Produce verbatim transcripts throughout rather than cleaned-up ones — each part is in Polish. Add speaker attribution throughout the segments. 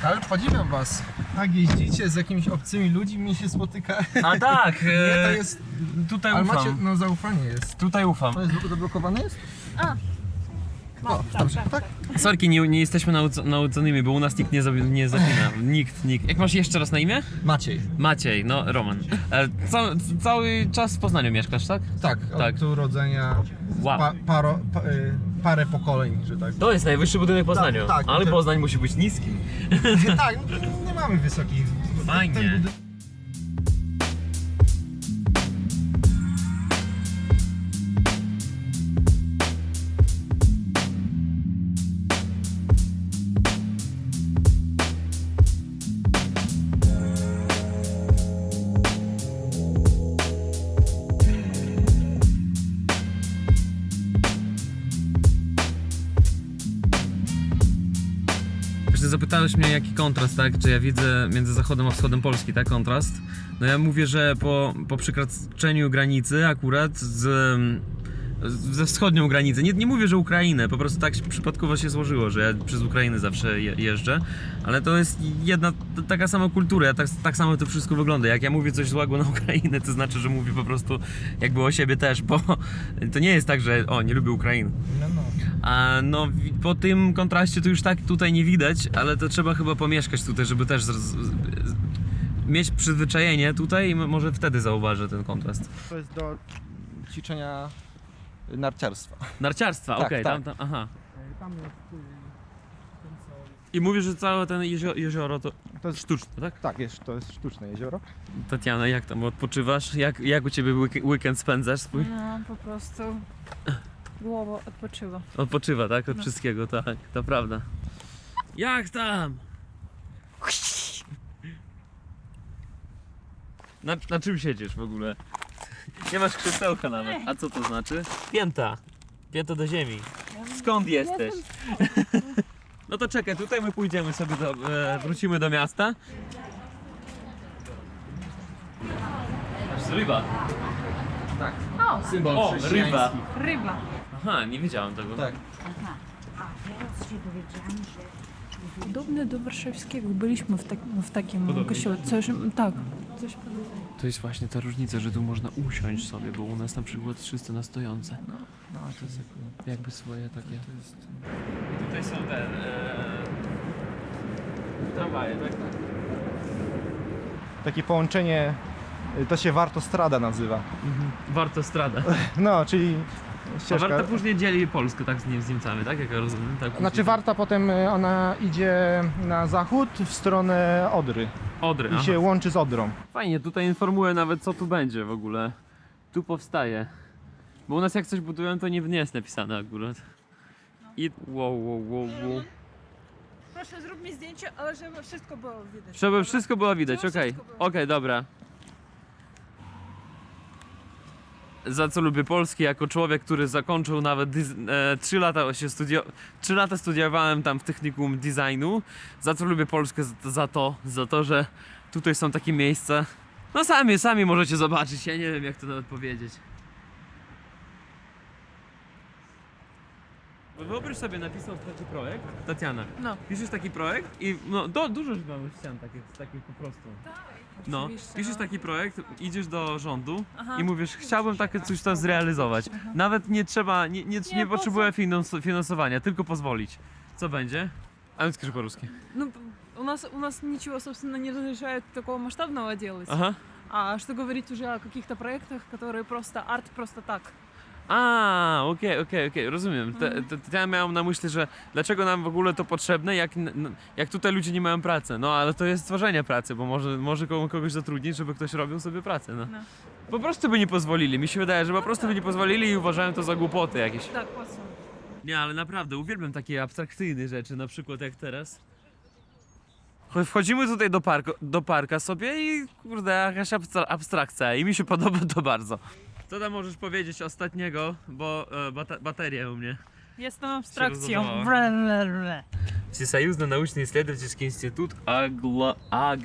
Speaker 1: Ale podziwiam was. Tak jeździcie z jakimiś obcymi ludźmi, się spotyka.
Speaker 2: A tak,
Speaker 1: Nie, to
Speaker 2: e,
Speaker 1: jest...
Speaker 2: tutaj
Speaker 1: Ale
Speaker 2: ufam.
Speaker 1: macie, no zaufanie jest.
Speaker 2: Tutaj ufam.
Speaker 1: To jest zablokowane jest?
Speaker 3: A.
Speaker 1: No,
Speaker 3: tak,
Speaker 1: dobrze,
Speaker 3: tak,
Speaker 1: tak?
Speaker 2: Sorki, nie, nie jesteśmy nauc nauczonymi, bo u nas nikt nie, zabi- nie zapina. Nikt, nikt. Jak masz jeszcze raz na imię?
Speaker 1: Maciej.
Speaker 2: Maciej, no Roman. E, ca cały czas w Poznaniu mieszkasz, tak?
Speaker 1: Tak, od
Speaker 2: Tak.
Speaker 1: urodzenia
Speaker 2: Wow.
Speaker 1: pa, paro, pa, y, parę pokoleń, że tak.
Speaker 2: To jest najwyższy budynek w Poznaniu,
Speaker 1: Tak, tak.
Speaker 2: ale Poznań musi być niski.
Speaker 1: Tak, no, nie mamy wysokich.
Speaker 2: Fajnie.
Speaker 1: Ten budynek...
Speaker 2: Właśnie zapytałeś mnie, jaki kontrast, tak? Czy ja widzę między zachodem a wschodem Polski, tak? Kontrast. No ja mówię, że po, po przekroczeniu granicy akurat z, ze wschodnią granicą, nie, nie mówię, że Ukrainę, po prostu tak przypadkowo się złożyło, że ja przez Ukrainę zawsze je, jeżdżę, ale to jest jedna t- taka sama kultura, ja tak, tak samo to wszystko wygląda. Jak ja mówię coś złego na Ukrainę, to znaczy, że mówię po prostu jakby o siebie też, bo to nie jest tak, że o, nie lubię Ukrainy.
Speaker 1: No, no.
Speaker 2: A no wi- po tym kontraście to już tak tutaj nie widać, ale to trzeba chyba pomieszkać tutaj, żeby też z, z, z, mieć przyzwyczajenie tutaj i m- może wtedy zauważę ten kontrast.
Speaker 1: To jest do ćwiczenia narciarstwa.
Speaker 2: Narciarstwa,
Speaker 1: Tak,
Speaker 2: okej,
Speaker 1: tak.
Speaker 2: tam, tam, aha.
Speaker 1: Tam jest
Speaker 2: I mówisz, że całe ten jezioro, jezioro to
Speaker 1: To jest
Speaker 2: sztuczne, tak?
Speaker 1: Tak, jest, to jest sztuczne jezioro.
Speaker 2: Tatiana, jak tam odpoczywasz? Jak, jak u ciebie week- weekend spędzasz swój?
Speaker 3: No, po prostu głowa odpoczywa.
Speaker 2: Odpoczywa, tak? Od
Speaker 3: No.
Speaker 2: wszystkiego, tak, to prawda. Jak tam? Na, na czym siedzisz w ogóle? Nie masz krzesełka nawet. A co to znaczy? Pięta. Pięta do ziemi. Skąd jesteś? No to czekaj, tutaj my pójdziemy sobie do, e, wrócimy do miasta. Aż ryba.
Speaker 1: Tak.
Speaker 3: O,
Speaker 1: Symbol
Speaker 2: O,
Speaker 1: chrześcijański.
Speaker 2: ryba.
Speaker 3: ryba.
Speaker 2: Aha, nie wiedziałem tego.
Speaker 1: Tak.
Speaker 3: Podobne do warszawskiego. Byliśmy w, tak, w takim
Speaker 2: Podobnie.
Speaker 3: kościele. Coś, tak. Coś podobnego.
Speaker 2: To jest właśnie ta różnica, że tu można usiąść sobie, bo u nas na przykład wszyscy na stojące.
Speaker 1: No, no to jest jakby...
Speaker 2: Jakby swoje takie.
Speaker 1: To jest...
Speaker 2: Tutaj są te e... tramwaje, tak?
Speaker 1: Takie połączenie, y, to się Wartostrada nazywa.
Speaker 2: Mhm. Warto strada.
Speaker 1: No, czyli
Speaker 2: A
Speaker 1: ścieżka...
Speaker 2: Warta później dzieli Polskę, tak, z, Nie- z Niemcami, tak? Jak ja rozumiem. Tak,
Speaker 1: Znaczy
Speaker 2: później-
Speaker 1: Warta potem y, ona idzie na zachód w stronę Odry
Speaker 2: Odry,
Speaker 1: i
Speaker 2: aha.
Speaker 1: się łączy z Odrą.
Speaker 2: Fajnie, tutaj informuję nawet, co tu będzie w ogóle. Tu powstaje. Bo u nas jak coś budują, to nie, nie jest napisane akurat. I wow, wow, wow, wow.
Speaker 3: Proszę, zrób mi zdjęcie, ale żeby wszystko było widać.
Speaker 2: Żeby wszystko było widać,
Speaker 3: Żeby
Speaker 2: okej.
Speaker 3: wszystko było.
Speaker 2: Okej, dobra. Za co lubię Polskę, jako człowiek, który zakończył nawet diz- e, trzy lata się studio- trzy lata studiowałem tam w technikum designu. Za co lubię Polskę za, za to, za to, że tutaj są takie miejsca. No sami, sami możecie zobaczyć, ja nie wiem jak to nawet powiedzieć. Wyobraź sobie, napisał taki projekt, Tatiana.
Speaker 3: No.
Speaker 2: Piszesz taki projekt i no do, dużo mamy ścian takich, takich po prostu. No,
Speaker 3: Oczywiście,
Speaker 2: piszesz
Speaker 3: no.
Speaker 2: taki projekt, idziesz do rządu
Speaker 3: Aha.
Speaker 2: i mówisz, chciałbym takie coś tam zrealizować. Nawet nie trzeba, nie, nie, nie,
Speaker 3: Nie, po
Speaker 2: potrzebuję finans- finansowania, tylko pozwolić. Co będzie? A więc скажи по-русски.
Speaker 3: Ну, у нас, у нас ничего, собственно, не разрешает такого масштабного делать.
Speaker 2: Aha.
Speaker 3: А что говорить уже о каких-то проектах, которые просто арт просто так.
Speaker 2: A, okej, okej, okej, rozumiem. Te, te, te ja miałem na myśli, że dlaczego nam w ogóle to potrzebne, jak, n- n- jak tutaj ludzie nie mają pracy. No ale to jest stworzenie pracy, bo może, może kogo- kogoś zatrudnić, żeby ktoś robił sobie pracę. No.
Speaker 3: No.
Speaker 2: Po prostu by nie pozwolili. Mi się wydaje, że po prostu by nie pozwolili i uważałem to za głupoty jakieś.
Speaker 3: Так, классно.
Speaker 2: Nie, ale naprawdę uwielbiam takie abstrakcyjne rzeczy, na przykład jak teraz. Cho- Wchodzimy tutaj do, parku, do parka sobie i kurde, jakaś abstra- abstrakcja i mi się podoba to bardzo. Co tam możesz powiedzieć ostatniego, bo e, bata- bateria u mnie.
Speaker 3: Jestem abstrakcją.
Speaker 2: rozładowało.
Speaker 3: Ble, ble, ble.
Speaker 2: Всесоюзный научно-исследовательский институт агло-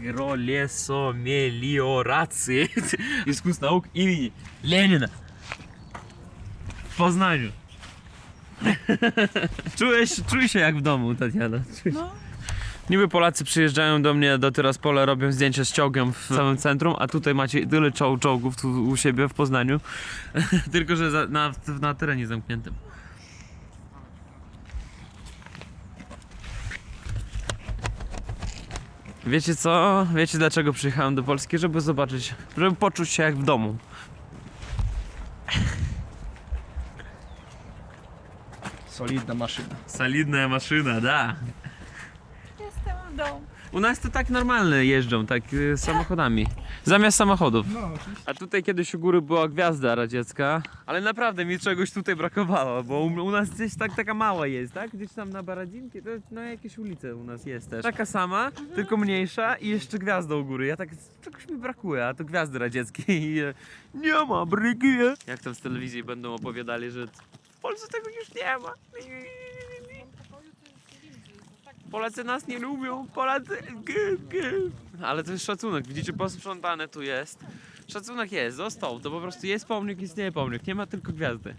Speaker 2: агролесомелиорации искусств наук имени Ленина w Poznaniu. Czułeś, czuj się jak w domu, Tatiana. Czuj się.
Speaker 3: No,
Speaker 2: Niby Polacy przyjeżdżają do mnie do Tyraspola, robią zdjęcia z czołgiem w samym centrum, a tutaj macie tyle czoł czołgów tu u siebie w Poznaniu, tylko że za, na, na terenie zamkniętym. Wiecie co? Wiecie dlaczego przyjechałem do Polski? Żeby zobaczyć, żeby poczuć się jak w domu.
Speaker 1: Solidna maszyna.
Speaker 2: Solidna maszyna, da.
Speaker 3: Jestem w domu.
Speaker 2: U nas to tak normalne jeżdżą, tak y, samochodami. Zamiast samochodów.
Speaker 1: No, oczywiście.
Speaker 2: A tutaj kiedyś u góry była gwiazda radziecka, ale naprawdę mi czegoś tutaj brakowało, bo u, u nas gdzieś tak taka mała jest, tak? Gdzieś tam na Baradzinki, to no jakieś ulice u nas jest też. Taka sama, tylko mniejsza i jeszcze gwiazda u góry. Ja tak, czegoś mi brakuje, a to gwiazdy radzieckiej i e, nie ma, brakuje. Jak tam z telewizji będą opowiadali, że w Polsce tego już nie ma. Polacy nas nie lubią, Polacy... Ale to jest szacunek, widzicie, posprzątane tu jest. Szacunek jest, został, to po prostu jest pomnik, istnieje pomnik, nie ma tylko gwiazdy.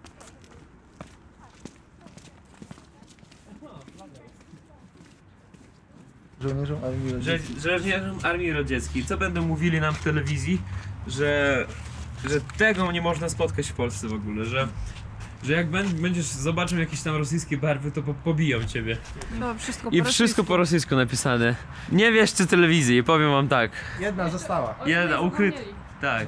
Speaker 1: Żołnierzom Armii Radzieckiej.
Speaker 2: Żołnierzom Armii Radzieckiej, co będą mówili nam w telewizji, że, że tego nie można spotkać w Polsce w ogóle, że, że jak będziesz, zobaczą jakieś tam rosyjskie barwy, to po, pobiją ciebie.
Speaker 3: No, wszystko
Speaker 2: I
Speaker 3: po
Speaker 2: wszystko
Speaker 3: rosyjsku.
Speaker 2: po rosyjsku napisane. Nie wierzcie telewizji, powiem wam tak.
Speaker 1: Jedna została.
Speaker 3: Oni
Speaker 2: Jedna,
Speaker 3: nie
Speaker 2: ukryt...
Speaker 3: zapomnieli.
Speaker 2: Tak.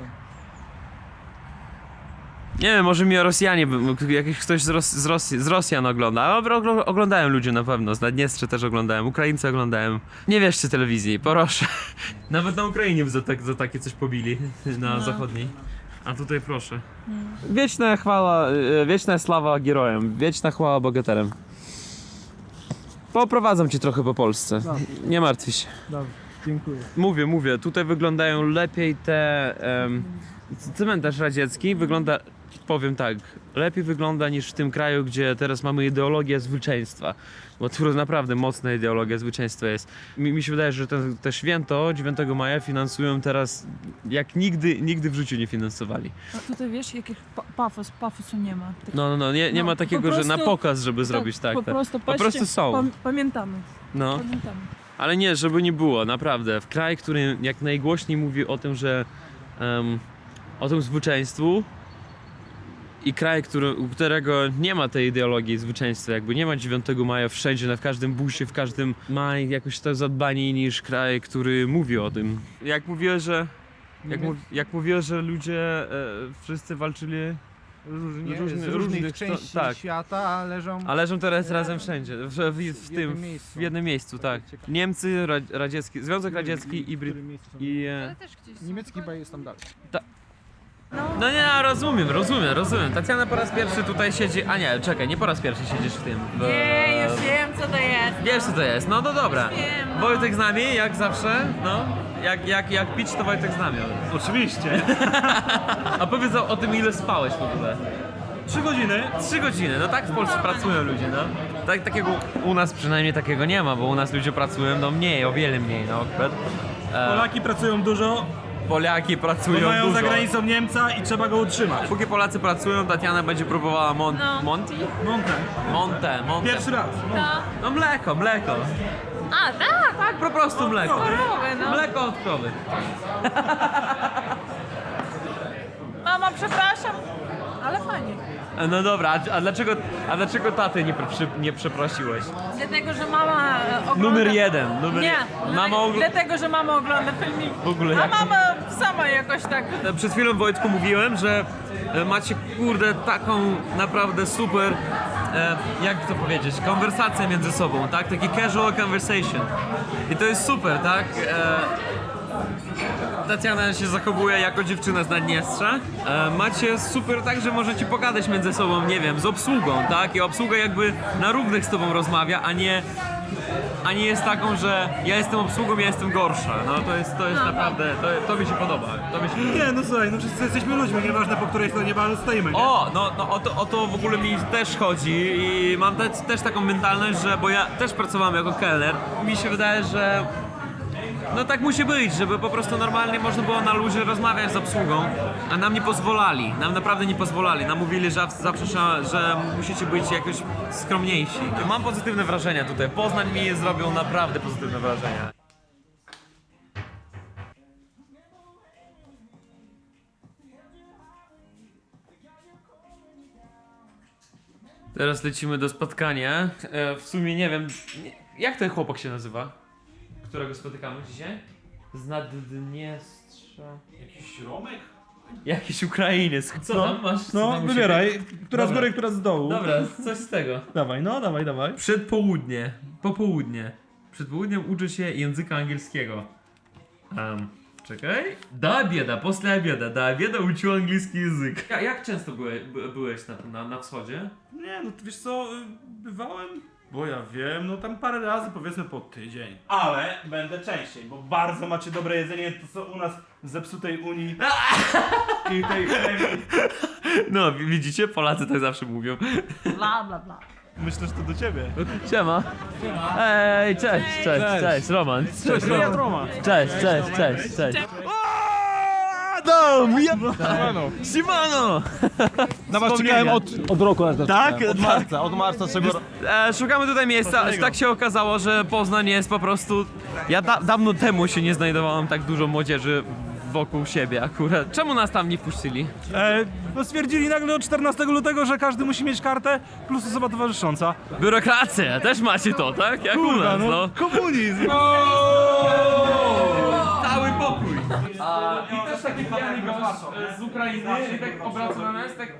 Speaker 2: Nie wiem, może mi o Rosjanie, by- jakiś ktoś z, Ros z, Rosji, z Rosjan ogląda, ale ogl- oglądają ludzie na pewno, z Naddniestrze też oglądają, Ukraińcy oglądają. Nie wierzcie telewizji, proszę. Nawet na Ukrainie by za, tak, za takie coś pobili, na
Speaker 3: No.
Speaker 2: zachodniej. A tutaj proszę. Wieczna chwała, e, wieczna sława herojem, wieczna chwała bohaterem. Poprowadzam cię trochę po Polsce,
Speaker 1: Dobrze.
Speaker 2: nie martw się.
Speaker 1: Dobrze, dziękuję.
Speaker 2: Mówię, mówię, tutaj wyglądają lepiej te... Um, cmentarz radziecki wygląda, powiem tak, lepiej wygląda niż w tym kraju, gdzie teraz mamy ideologię zwycięstwa. Bo tu naprawdę mocna ideologia zwycięstwa jest. Mi, mi się wydaje, że te, te święto dziewiątego maja finansują teraz jak nigdy, nigdy w życiu nie finansowali.
Speaker 3: A tutaj wiesz, jakich pa pafos, pafosu nie ma. Tak,
Speaker 2: No, no, no, nie, nie
Speaker 3: No,
Speaker 2: ma
Speaker 3: po
Speaker 2: takiego, że na
Speaker 3: prostu-
Speaker 2: pokaz, żeby zrobić tak.
Speaker 3: Po
Speaker 2: tak.
Speaker 3: prostu,
Speaker 2: Po
Speaker 3: patrzcie,
Speaker 2: prostu są.
Speaker 3: pam- pamiętamy,
Speaker 2: No.
Speaker 3: pamiętamy.
Speaker 2: Ale nie, żeby nie było, naprawdę. W kraj, który jak najgłośniej mówi o tym, że em, o tym zwycięstwu i kraj, który, u którego nie ma tej ideologii zwycięstwa, jakby nie ma dziewiątego maja wszędzie, na w każdym busie, w każdym ma jakoś to zadbanie niż kraj, który mówi o tym. Jak mówiłeś, że jak, mów, jak mówiłeś, że ludzie e, wszyscy walczyli
Speaker 1: Różnie,
Speaker 2: Różny-
Speaker 1: z różnych
Speaker 2: różnych
Speaker 1: części
Speaker 2: sto- tak.
Speaker 1: świata leżą
Speaker 2: a leżą teraz razem wszędzie, w, w, w,
Speaker 1: w
Speaker 2: tym,
Speaker 1: jednym miejscu.
Speaker 2: w jednym miejscu, tak.
Speaker 1: Ciekawe.
Speaker 2: Niemcy, ra, radziecki, Związek Radziecki i,
Speaker 1: W
Speaker 2: Bry,
Speaker 1: którym miejscu są?
Speaker 2: i e,
Speaker 3: Ale też gdzieś są.
Speaker 1: Niemiecki chyba jest tam dalej.
Speaker 3: No,
Speaker 2: No nie, no, rozumiem, rozumiem, rozumiem. Tatiana po raz pierwszy tutaj siedzi, a nie, czekaj, nie po raz pierwszy siedzisz w tym. W,
Speaker 3: nie, już wiem co to jest.
Speaker 2: Wiesz co to jest, no to dobra.
Speaker 3: wiem, no.
Speaker 2: Wojtek z nami, jak zawsze, no. Jak, jak, jak pić, to Wojtek z nami.
Speaker 4: Oczywiście.
Speaker 2: A powiedz o, o tym, ile spałeś w ogóle.
Speaker 4: Trzy godziny.
Speaker 2: Trzy godziny, no tak w Polsce pracują ludzie, no. Tak, takiego, u nas przynajmniej takiego nie ma, bo u nas ludzie pracują, no mniej, o wiele mniej, no. E,
Speaker 4: Polaki pracują dużo,
Speaker 2: Polaki
Speaker 4: bo
Speaker 2: pracują
Speaker 4: mają
Speaker 2: dużo.
Speaker 4: za granicą Niemca i trzeba go utrzymać.
Speaker 2: Póki Polacy pracują, Tatiana będzie próbowała mon-
Speaker 3: No.
Speaker 2: Monty?
Speaker 4: Monte.
Speaker 2: Monte, Monte.
Speaker 4: Pierwszy raz.
Speaker 3: To...
Speaker 2: No mleko, mleko.
Speaker 3: A, tak,
Speaker 2: Tak, po prostu mleko.
Speaker 3: korowy, no.
Speaker 2: Mleko od krowy.
Speaker 3: Mama, przepraszam, ale fajnie.
Speaker 2: No dobra, a, a dlaczego, a dlaczego taty nie, przy, nie przeprosiłeś?
Speaker 3: Dlatego, że mama e, ogląda...
Speaker 2: Numer jeden, numer
Speaker 3: Nie,
Speaker 2: jeden.
Speaker 3: mama
Speaker 2: Mama ogl...
Speaker 3: dlatego, że mama ogląda filmik.
Speaker 2: W ogóle
Speaker 3: A
Speaker 2: jak-
Speaker 3: mama sama jakoś tak...
Speaker 2: Przed chwilą Wojtku mówiłem, że e, macie kurde taką naprawdę super, e, jak to powiedzieć, konwersację między sobą, tak? Taki casual conversation. I to jest super, tak? E, Tatiana się zachowuje jako dziewczyna z Naddniestrza. E, macie super tak, że możecie pogadać między sobą, nie wiem, z obsługą, tak? I obsługa jakby na równych z tobą rozmawia, a nie, a nie jest taką, że ja jestem obsługą, ja jestem gorsza. No to jest, to jest
Speaker 3: No.
Speaker 2: naprawdę, to, to mi się podoba. To mi się podoba.
Speaker 4: Nie, no słuchaj, no wszyscy jesteśmy ludźmi, nieważne po której stronie baru stoimy, nie?
Speaker 2: O, no, no o, to, o to w ogóle mi też chodzi i mam te, też taką mentalność, że, bo ja też pracowałem jako kelner, mi się wydaje, że No tak musi być, żeby po prostu normalnie można było na luzie rozmawiać z obsługą, a nam nie pozwolali, nam naprawdę nie pozwolali. Nam mówili, że zawsze, że, że musicie być jakoś skromniejsi. Mam pozytywne wrażenia tutaj. Poznań mi zrobił naprawdę pozytywne wrażenia. Teraz lecimy do spotkania. E, w sumie nie wiem, nie, jak ten chłopak się nazywa, którego spotykamy dzisiaj? Z Naddniestrza.
Speaker 4: Jakiś Romek?
Speaker 2: Jakiś Ukrainiec. Co
Speaker 4: No,
Speaker 2: tam masz? Co
Speaker 4: No,
Speaker 2: tam u
Speaker 4: wybieraj.
Speaker 2: siebie?
Speaker 4: Która z
Speaker 2: Dobra.
Speaker 4: góry, która z dołu.
Speaker 2: Dobra, coś z tego.
Speaker 4: Dawaj, no, dawaj, dawaj.
Speaker 2: Przedpołudnie, popołudnie. Przed południem uczy się języka angielskiego. Um, czekaj. Do obieda, после obieda, do obieda uczył angielski język. Ja, jak często byłeś, by, byłeś na, na, na wschodzie?
Speaker 4: Nie, no to wiesz co, y, bywałem, bo ja wiem, no tam parę razy powiedzmy po tydzień. Ale będę częściej, bo bardzo macie dobre jedzenie, to co u nas w zepsutej Unii i tej chemii.
Speaker 2: No, wi- widzicie? Polacy tak zawsze mówią.
Speaker 3: Bla, bla, bla.
Speaker 4: Myślę, że to do ciebie.
Speaker 2: Siema. Ej, cześć, cześć, cześć, Roman. Cześć,
Speaker 4: Ja Roma.
Speaker 2: Cześć, cześć, cześć, cześć. Adam! Ja... Simano!
Speaker 4: Na was czekałem od...
Speaker 5: Od roku nas
Speaker 4: Tak?
Speaker 5: Od marca, od marca czego
Speaker 2: E, szukamy tutaj miejsca, tak się okazało, że Poznań jest po prostu... Ja da dawno temu się nie znajdowałem tak dużo młodzieży wokół siebie akurat. Czemu nas tam nie wpuścili?
Speaker 4: E, bo stwierdzili nagle od czternastego lutego, że każdy musi mieć kartę plus osoba towarzysząca.
Speaker 2: Biurokracja, też macie to, tak? Jak u nas, no.
Speaker 4: Komunizm!
Speaker 2: Cały pokój! A, I też taki pijany gość e, z Ukrainy i tak obraca na nas, tak...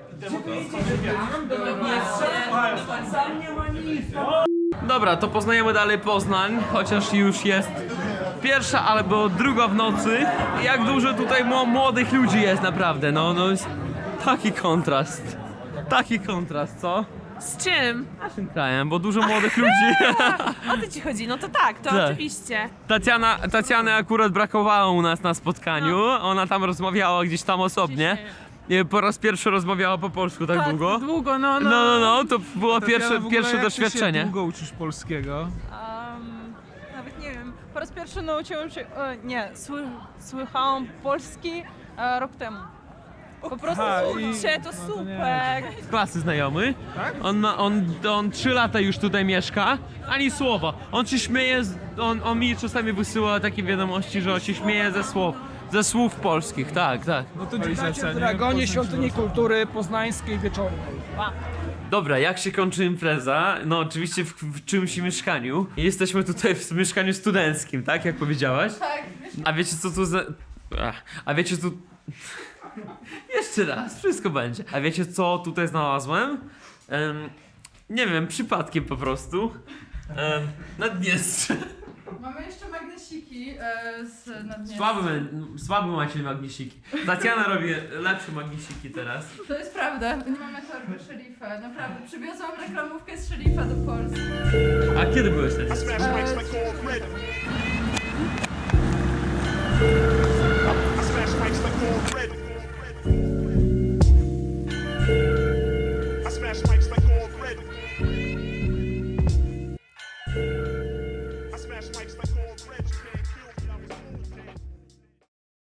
Speaker 2: Dobra, to poznajemy dalej Poznań, chociaż już jest pierwsza albo druga w nocy. Jak dużo tutaj mło- młodych ludzi jest naprawdę, no, no jest taki kontrast. Taki kontrast, co?
Speaker 3: Z czym?
Speaker 2: Naszym krajem, bo dużo młodych ludzi.
Speaker 3: O to ci chodzi, no to tak, to
Speaker 2: Tak.
Speaker 3: oczywiście.
Speaker 2: Tatiana, Tatiany akurat brakowało u nas na spotkaniu, ona tam rozmawiała gdzieś tam osobnie. I po raz pierwszy rozmawiała po polsku tak długo.
Speaker 3: Długo, no,
Speaker 2: No,
Speaker 3: no.
Speaker 2: no, no, to było pierwsze,
Speaker 5: w ogóle
Speaker 2: pierwsze
Speaker 5: jak ty się
Speaker 2: doświadczenie.
Speaker 5: długo uczysz polskiego?
Speaker 3: Um, nawet nie wiem, po raz pierwszy nauczyłam się, e, nie, sły, słyszałam polski e, rok temu. Po prostu
Speaker 5: Aha, i-
Speaker 3: kurczę, to
Speaker 5: no to nie.
Speaker 3: super.
Speaker 2: Z klasy znajomy. On ma, on, on trzy lata już tutaj mieszka, ani słowa. On się śmieje, z, on, on mi czasami wysyła takie wiadomości, że on się śmieje ze słów, ze słów polskich, tak, tak.
Speaker 5: No to
Speaker 6: Witajcie w Dragonie Świątyni Kultury Poznańskiej wieczornej.
Speaker 2: Dobra, jak się kończy impreza? No oczywiście w, w czymś mieszkaniu. I jesteśmy tutaj w mieszkaniu studenckim, tak? Jak powiedziałaś?
Speaker 3: Tak.
Speaker 2: A wiecie co tu za... Ach, a wiecie tu... Jeszcze raz, wszystko będzie. A wiecie co tutaj znalazłem? Em, nie wiem, przypadkiem po prostu. Um, Naddniestrze.
Speaker 7: Mamy jeszcze magnesiki e, z Naddniestrza.
Speaker 2: Słaby, słaby macie magnesiki. Tatiana robi lepsze magnesiki teraz.
Speaker 7: To jest prawda, nie mamy torby szerifa, naprawdę. Przywiozłam reklamówkę z szerifa do Polski.
Speaker 2: A kiedy byłeś na Naddniestrzu?
Speaker 7: E,